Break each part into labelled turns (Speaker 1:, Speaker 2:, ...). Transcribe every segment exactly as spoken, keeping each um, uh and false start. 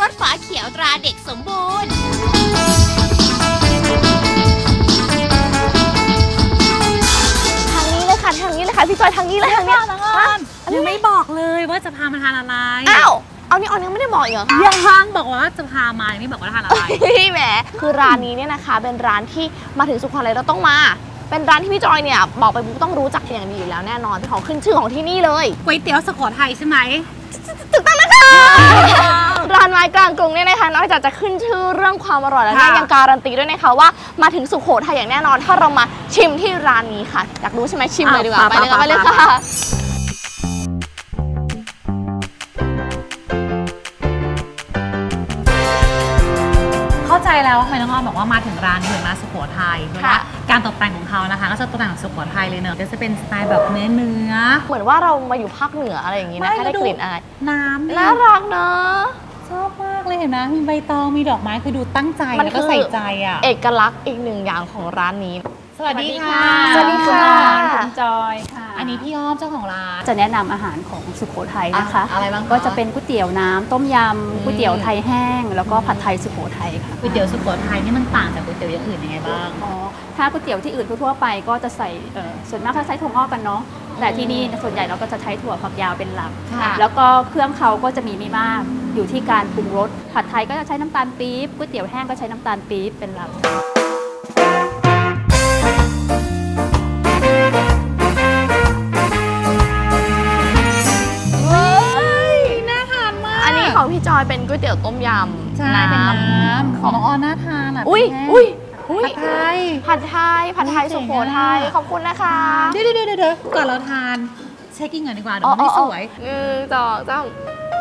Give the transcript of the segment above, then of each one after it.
Speaker 1: สฝาเขียวตราเด็กสมบูรณ์
Speaker 2: ทางนี้เลยค่ะพี่จอยทางนี้เลยทางนี้
Speaker 3: ยังไม่บอกเลยว่าจะพามาทานอะไร
Speaker 2: อ้าวเอานี่ออนยังไม่ได้บอกอีกเหรอคะ
Speaker 3: ยังบอกว่าจะพามาไม่บอกว่าทานอะไร
Speaker 2: พี่แหมคือร้านนี้เนี่ยนะคะเป็นร้านที่มาถึงสุโขทัยเราต้องมาเป็นร้านที่พี่จอยเนี่ยบอกไปปุ๊บต้องรู้จักอย่างดีอยู่แล้วแน่นอนเป็นของขึ้นชื่อของที่นี่เลย
Speaker 3: ก๋วยเตี๋ยวสุโขทัยใช่ไหม
Speaker 2: ถูกต้องนะคะร้านไม้กลางกรุงเนี่ยนะคะนอกจากจะขึ้นชื่อเรื่องความอร่อยแล้วเนี่ยยังการันตีด้วยนะคะว่ามาถึงสุโขทัยอย่างแน่นอนถ้าเรามาชิมที่ร้านนี้ค่ะอยากรู้ใช่ไหมชิมเลยดีกว่าไปเลยไปเลยค่ะ
Speaker 3: เข้าใจแล้วว่าทำไมน้องออมบอกว่ามาถึงร้านนี้เหมือนมาสุโขทัยเพราะว่าการตกแต่งของเขานะคะก็จะตกแต่งสุโขทัยเลยเนอะจะเป็นสไตล์แบบเนื้อเนื้อ
Speaker 2: เหมือนว่าเรามาอยู่ภาคเหนืออะไรอย่างนี้นะได้กลิ่นอาย
Speaker 3: น้ำ
Speaker 2: น่ารักเนอะ
Speaker 3: ชอบมากเลยเห็นไหมมีใบตองมีดอกไม้คือดูตั้งใจแล้วก็ใส่ใจอ่ะ
Speaker 2: เอกลักษณ์อีกหนึ่งอย่างของร้านนี้
Speaker 3: สวัสดีค่ะ
Speaker 2: สวัสดีค่ะ
Speaker 4: คุณจอยค่ะ
Speaker 3: อันนี้พี่อ้อมเจ้าของร้าน
Speaker 4: จะแนะนำอาหารของสุโขทัยนะคะ
Speaker 3: อะไรบ้าง
Speaker 4: ก็จะเป็นก๋วยเตี๋ยวน้ำต้มยำก๋วยเตี๋ยวไทยแห้งแล้วก็ผัดไทยสุโขทัยค่ะ
Speaker 3: ก๋วยเตี๋ยวสุโขทัยนี่มันต่างจากก๋วยเตี๋ยวอย่างอื่นยังไงบ้าง
Speaker 4: อ๋อถ้าก๋วยเตี๋ยวที่อื่นทั่วไปก็จะใส่ส่วนมากเขาใช้ถั่วงอกกันเนาะแต่ที่นี่ส่วนใหญ่เราก็จะใช้ถั่วฝักยาวเป็นหลักแล้วก็เครื่องเขาก็จะมีไม่มากอยู่ที่การปรุงรสผัดไทยก็จะใช้น้ำตาลปี๊บก๋วยเตี๋ยวแห้งก็ใช้น้ำตาลปี๊บเป็นหลัก
Speaker 2: ของพี่จอยเป็นก๋วยเตี๋ยวต้มย
Speaker 3: ำใช่เป็นน้ำของน้องออนน่าทานอ่ะ
Speaker 2: อุ้ยอุ้ย
Speaker 3: ผัดไทย
Speaker 2: ผัดไทยผัดไทยสุโขทัยขอบคุณนะคะ
Speaker 3: เดี๋ยวเดี๋ยวเดี๋ยวก่อนเราทานเช็คกิ้งก่อนดีกว่าเดี๋ยวมันไม่สวย
Speaker 2: หนึ่งสองสาม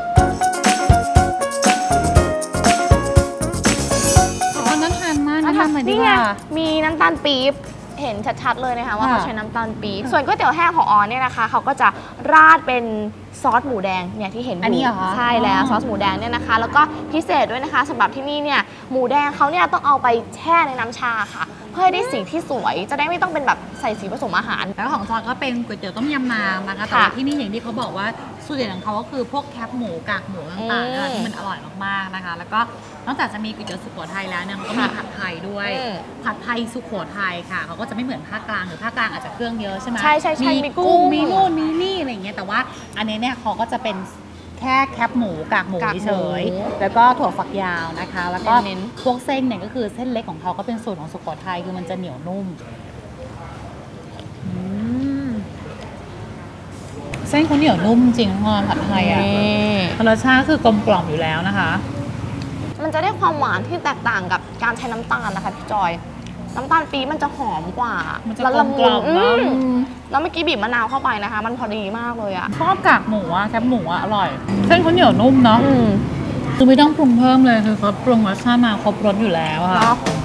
Speaker 3: อ๋อน่าทานมากน่าทานเหมือนดีกว่า
Speaker 2: มีน้ำตาลปี๊บเห็นชัดๆเลยนะคะว่าเขาใช้น้ำตาลปี๊บส่วนก๋วยเตี๋ยวแห้งของออนเนี่ยนะคะเขาก็จะราดเป็นซอสหมูแดงเนี่ยที่เห็นอยู่ใช่แล้วซอสหมูแดงเนี่ยนะคะแล้วก็พิเศษด้วยนะคะสำหรับที่นี่เนี่ยหมูแดงเขาเนี่ยต้องเอาไปแช่ในน้ำชาค่ะเพื่อให้ได้สีที่สวยจะได้ไม่ต้องเป็นแบบใส่สีผสมอาหาร
Speaker 3: แล้วของซอสก็เป็นก๋วยเตี๋ยวต้มยำน้ำนะคะแต่ที่นี่อย่างที่เขาบอกว่าสูตรเด็ดของเขาก็คือพวกแคบหมูกากหมูต่างๆที่มันอร่อยมากๆนะคะแล้วก็นอกจากจะมีก๋วยเตี๋ยวสุโขทัยแล้วเนี่ยมันก็มีผัดไทยด้วยผัดไทยสุโขทัยค่ะเขาก็จะไม่เหมือนภาคกลางหรือภาคกลางอาจจะเครื่องเยอะใช่ไหม
Speaker 2: ใช่ใช่
Speaker 3: มีกุ้งมีนู่นมีนี่อะไรอย่างเงี้ยแต่ว่าอันนี้เนี่ยเขาก็จะเป็นแค่แคบหมูกากหมูเฉยแล้วก็ถั่วฝักยาวนะคะแล้วก็พวกเส้นเนี่ยก็คือเส้นเล็กของเขาก็เป็นสูตรของสุโขทัยคือมันจะเหนียวนุ่มเส้นเขาเหนียวนุ่มจริงงอนผัดไทยอ่ะรสชาติคือกลมกล่อมอยู่แล้วนะคะ
Speaker 2: มันจะได้ความหวานที่แตกต่างกับการใช้น้ำตาลนะคะพี่จอยน้ำตาลปี๊บมันจะหอมกว่า
Speaker 3: แล้วละมุน
Speaker 2: แล้วเมื่อกี้บีบมะนาวเข้าไปนะคะมันพอดีมากเลยอ่ะ
Speaker 3: ชอบกากหมูอ่ะแคบหมูอ่ะอร่อยเส้นเขาเหนียวนุ่มเนาะคือไม่ต้องปรุงเพิ่มเลยคือเขาปรุงรสชาติมาครบรสอยู่แล้วค่ะ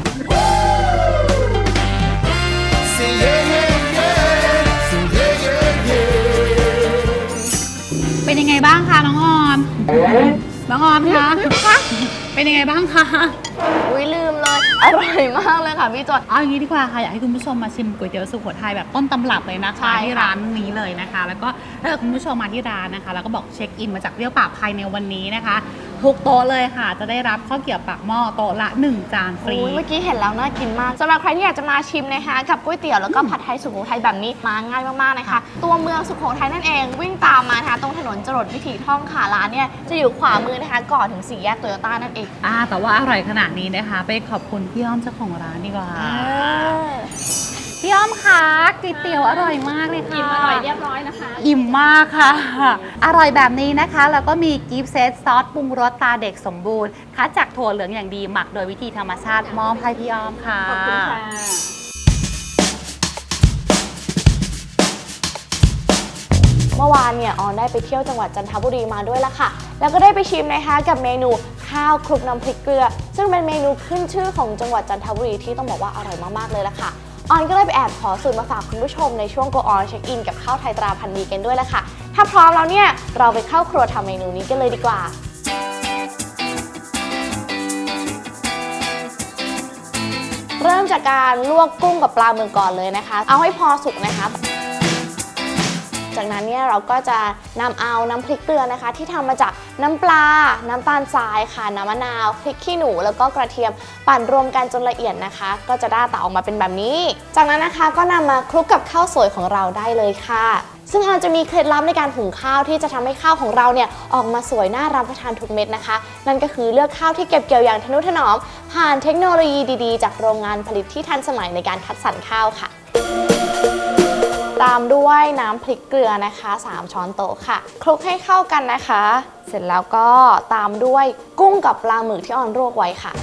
Speaker 3: เป็นยังไงบ้างคะน้องออมน้องออมคะเป็นยังไงบ้างคะ
Speaker 2: อุ้ยลืมเลยอร่อยมากเลยค่ะพี่จอย
Speaker 3: เอาอย่างนี้ดีกว่าค่ะอยากให้คุณผู้ชมมาชิมก๋วยเตี๋ยวสุโขทัยแบบต้นตำรับเลยนะคะที่ร้านนี้เลยนะคะแล้วก็ถ้าคุณผู้ชมมาที่ร้านนะคะแล้วก็บอกเช็คอินมาจากเรี่ยวปากภายในวันนี้นะคะทุกโต๊ะเลยค่ะจะได้รับข้าวเกรี๊ยวปากหม้อโต๊ะละหนึ่งจานฟรี
Speaker 2: เมื่อกี้เห็นแล้วน่ากินมากสำหรับใครที่อยากจะมาชิมนะคะกับก๋วยเตี๋ยวแล้วก็ผัดไทยสุโขทัยแบบนี้มาง่ายมากๆนะคะตัวเมืองสุโขทัยนั่นเองวิ่งตามมานะคะตรงถนนจรดวิถีท่องค่ะร้านเนี่ยจะอยู่ขวามือนะคะก่อนถึงสี่แยกโตโยต้านั่นเอง
Speaker 3: อ่าแต่ว่าอร่อยขนาดนี้นะคะไปขอบคุณพี่อ้อมเจ้าของร้านดีกว่าพี่อ้อมคะก๋วยเตี๋ยวอร่อยมากเลยค่ะ
Speaker 4: อิ่มอร่อยเรียบร้อยนะคะ
Speaker 3: อิ่มมากค่ะอร่อยแบบนี้นะคะแล้วก็มีกิฟต์เซตซอสปรุงรสตาเด็กสมบูรณ์คัดจากถั่วเหลืองอย่างดีหมักโดยวิธีธรรมชาติมอบให้พี่อ้อมค่ะ
Speaker 4: ขอบคุณค่ะ
Speaker 2: เมื่อวานเนี่ยออนได้ไปเที่ยวจังหวัดจันทบุรีมาด้วยละค่ะแล้วก็ได้ไปชิมนะคะกับเมนูข้าวคลุกน้ำพริกเกลือซึ่งเป็นเมนูขึ้นชื่อของจังหวัดจันทบุรีที่ต้องบอกว่าอร่อยมากๆเลยละค่ะออนก็เลยไปแอบขอสูตรมาฝากคุณผู้ชมในช่วง Go On Check In กับข้าวไทยตราพันธุ์ดีกันด้วยละค่ะถ้าพร้อมแล้วเนี่ยเราไปเข้าครัวทำเมนูนี้กันเลยดีกว่าเริ่มจากการลวกกุ้งกับปลาเมืองก่อนเลยนะคะเอาให้พอสุกนะคะจจากนั้นเนี่ยเราก็จะนำเอาน้ำพริกเกลือนะคะที่ทำมาจากน้ำปลาน้ำตาลทรายค่ะน้ำมะนาวพริกขี้หนูแล้วก็กระเทียมปั่นรวมกันจนละเอียดนะคะก็จะได้ตาออกมาเป็นแบบนี้จากนั้นนะคะก็นำมาคลุกกับข้าวสวยของเราได้เลยค่ะซึ่งออนจะมีเคล็ดลับในการหุงข้าวที่จะทำให้ข้าวของเราเนี่ยออกมาสวยน่ารับประทานทุกเม็ดนะคะนั่นก็คือเลือกข้าวที่เก็บเกี่ยวอย่างทนุถนอมผ่านเทคโนโลยีดีๆจากโรงงานผลิตที่ทันสมัยในการคัดสรรข้าวค่ะตามด้วยน้ำพริกเกลือนะคะสามช้อนโต๊ะค่ะคลุกให้เข้ากันนะคะเสร็จแล้วก็ตามด้วยกุ้งกับปลาหมึกที่ออนลวกไว้ค่ะ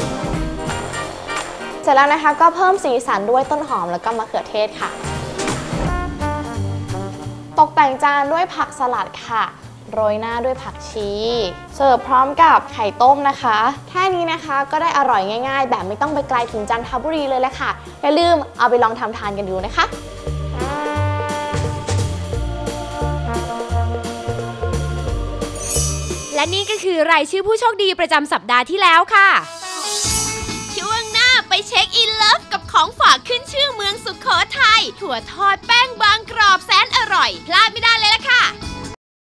Speaker 2: เสร็จแล้วนะคะก็เพิ่มสีสันด้วยต้นหอมแล้วก็มะเขือเทศค่ะตกแต่งจานด้วยผักสลัดค่ะโรยหน้าด้วยผักชีเสิร์ฟพร้อมกับไข่ต้มนะคะแค่นี้นะคะก็ได้อร่อยง่ายๆแบบไม่ต้องไปไกลถึงจันทบุรีเลยแหละค่ะอย่าลืมเอาไปลองทำทานกันดูนะคะ
Speaker 1: และนี่ก็คือรายชื่อผู้โชคดีประจำสัปดาห์ที่แล้วค่ะช่วงหน้าไปเช็คอินเลิฟกับของฝากขึ้นชื่อเมืองสุโขทัยถั่วทอดแป้งบางกรอบแสนอร่อยพลาดไม่ได้เลยล่ะค่ะ